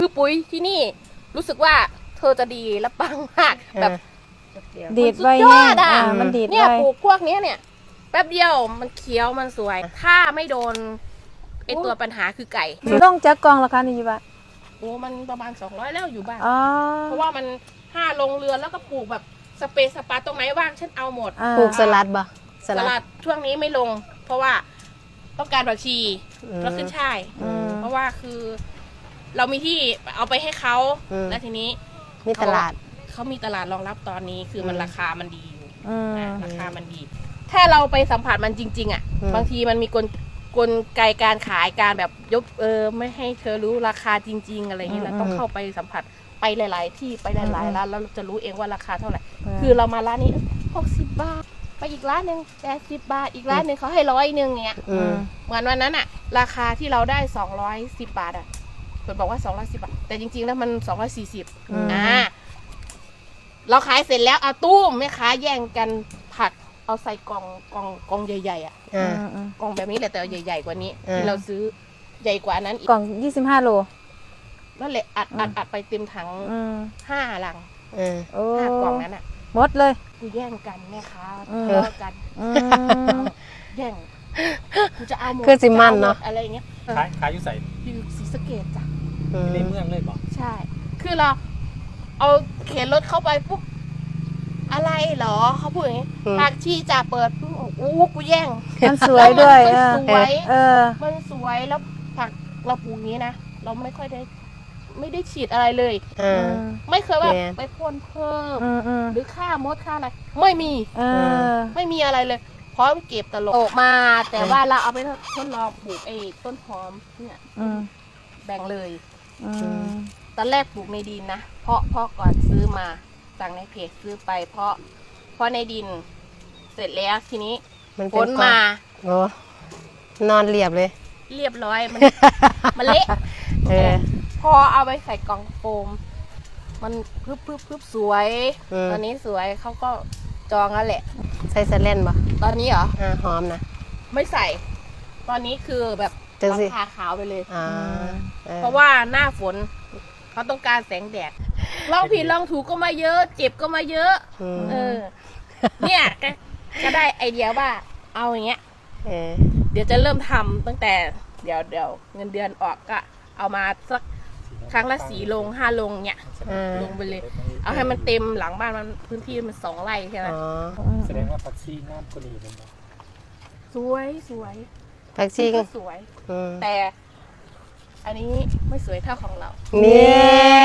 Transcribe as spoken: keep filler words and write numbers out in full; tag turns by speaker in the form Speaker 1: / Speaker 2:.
Speaker 1: คือปุ๋ยที่นี่รู้สึกว่าเธอจะดีและปังมากแบบ
Speaker 2: ดีดไว้
Speaker 1: ยอดอ่ะ
Speaker 2: มันดีด
Speaker 1: เนี่ย
Speaker 2: ไว้
Speaker 1: ปลูกพวกนี้เนี่ยแป๊บเดียวมันเขียวมันสวย ถ้าไม่โดนไอตัวปัญหาคือไก่
Speaker 2: ต้องจักกองราคานี่อยู่บ้าน
Speaker 1: โอ้มันประมาณสองร้อยแล้วอยู่บ้าน
Speaker 2: อ๋อ
Speaker 1: เพราะว่ามันห้าลงเรือนแล้วก็ปลูกแบบสเปซสปาตรงไหนว่างฉันเอาหมด
Speaker 2: อ่า
Speaker 3: ปลูกสลัดบ่
Speaker 1: สลัดช่วงนี้ไม่ลง เพราะว่าต้องการผักชี
Speaker 3: อืม
Speaker 1: แล้วขึ้นช่าย
Speaker 2: อืม
Speaker 1: เพราะว่าคือ เรามีที่เอาไปให้เขา
Speaker 3: อืม
Speaker 1: แล้วทีนี้
Speaker 3: มีตลาด
Speaker 1: เขามีตลาดรองรับตอนนี้คือมัน
Speaker 3: อืม
Speaker 1: ราคามันดีอยู่
Speaker 2: อืม
Speaker 1: อ่ะราคามันดี ถ้าเราไปสัมผัสมันจริง ๆ อ่ะ
Speaker 3: อืม
Speaker 1: บางทีมันมีกลกลไกการขายการแบบยกเออไม่ให้เธอรู้ราคาจริง ๆ อะไรอย่างนี้เราต้องเข้าไปสัมผัสไปหลาย ๆ ที่ไปหลายๆร้านแล้วเราจะรู้เองว่าราคาเท่าไหร่ คือเรามาร้านนี้หกสิบบาท ไปอีกร้านหนึ่งแปดสิบบาท อีกร้านหนึ่งเขาให้ร้อยหนึ่งเงี้ย
Speaker 3: อืม
Speaker 1: เหมือนวันนั้นอะราคาที่เราได้สองร้อยสิบบาทอะเปิดบอกว่าสองร้อยสิบบาท แต่จริงๆแล้วมันสองร้อยสี่สิบอ่าเราขายเสร็จแล้วเอาตู้มแม่ค้าแย่งกันผัดเอาใส่กล่องกล่องกล่องใหญ่ๆอะ
Speaker 3: อ่า
Speaker 2: อืมอืม
Speaker 1: กล่องแบบนี้แหละแต่ใหญ่ๆกว่านี้
Speaker 3: อ่า
Speaker 1: ที่เราซื้อใหญ่กว่านั้นอีก
Speaker 2: กล่องยี่สิบห้าโล
Speaker 1: นั่นแหละอัดอัดอัดไปเต็มถัง
Speaker 2: อืม
Speaker 1: ห้าลัง
Speaker 3: อ่า
Speaker 2: โอ้
Speaker 1: ห้ากล่องนั้นอะ
Speaker 2: หมดเลย
Speaker 1: กูแย่งกันแม่ค้า
Speaker 2: อืม
Speaker 1: ทะเลาะกัน
Speaker 2: อืม
Speaker 1: แย่งกูจะเอาหมด
Speaker 3: คือสิมันเนาะ
Speaker 1: จอหมดอะไรอย่างเงี้ย
Speaker 4: ขายขายอยู่ใส่
Speaker 1: อยู่ศรีสะเกษจ้ะ
Speaker 3: อืม
Speaker 4: ในเมืองเลยบอก
Speaker 1: ใช่ คือเราเอาเข็นรถเข้าไปปุ๊บอะไรเหรอเขาพูดอย่างนี้
Speaker 3: อืม
Speaker 1: ผักชีจะเปิดปุ๊บโอ้กูแย่ง
Speaker 2: มันสวยด้วย
Speaker 1: มัน
Speaker 2: เออ
Speaker 1: สวย
Speaker 2: เออ
Speaker 1: มันสวยแล้วผักเราปลูกอย่างนี้นะเราไม่ค่อยได้ ไม่ได้ฉีดอะไรเลย
Speaker 3: อ่า
Speaker 1: ไม่เคยว่า
Speaker 3: แม่
Speaker 1: ไปพ่นเพิ่ม
Speaker 2: อืมอืม
Speaker 1: หรือฆ่ามดฆ่าอะไรไม่มี
Speaker 2: เออ
Speaker 1: ไม่มีอะไรเลยพร้อมเก็บตลกออกมา แต่ว่าเราเอาไปทดลองปลูกไอ้ต้นหอมเนี่ย
Speaker 2: อืม
Speaker 1: แบ่งเลย
Speaker 2: อืม
Speaker 1: ตอนแรกปลูกในดินนะเพราะเพราะก่อนซื้อมาสั่งในเพจซื้อไป เพราะเพราะในดิน เสร็จแล้วทีนี้
Speaker 3: มัน
Speaker 1: ฝ
Speaker 3: เป็น
Speaker 1: น
Speaker 3: ก้อน
Speaker 1: มา
Speaker 3: โอ้นอนเรียบเลย
Speaker 1: เรียบร้อยมัน มันเละ
Speaker 3: เออ
Speaker 1: พอเอาไปใส่กล่องโฟม มันพึบพึบพึบสวย
Speaker 3: อืม
Speaker 1: ตอนนี้สวยเขาก็จองแล้วแหละ
Speaker 3: ใส่สแลนบ่
Speaker 1: ตอนนี้เหรอ
Speaker 3: อ่าหอมนะ
Speaker 1: ไม่ใส่ ตอนนี้คือแบบ
Speaker 3: จังสิ
Speaker 1: ราคาขาวไปเลย
Speaker 3: อ่าออ
Speaker 1: เพราะว่าหน้าฝนเขาต้องการแสงแดดลองผิดลองถูกก็มาเยอะ เจ็บก็มาเยอะ
Speaker 3: อืม
Speaker 1: เออ เนี่ยก็ก็ได้ไอเดียว่า เอาอย่างเงี้ย
Speaker 3: เออ
Speaker 1: เดี๋ยวจะเริ่มทำตั้งแต่เดี๋ยวเดี๋ยวเงินเดือนออกก็ เอามาสักครั้งละสี่ลงห้าลงเนี่ย
Speaker 3: อ่า
Speaker 1: ลงไปเลย เอาให้มันเต็มหลังบ้านมันพื้นที่มันสองไร่ใช่ไหม
Speaker 3: อ๋อ
Speaker 4: แสดงว่าผักชีน้ำกะหรี่มันบอก
Speaker 1: สวยสวย
Speaker 3: ผักชีก
Speaker 1: สวย
Speaker 3: อืม
Speaker 1: แต่ อันนี้ไม่สวยเท่าของเรา
Speaker 3: นี่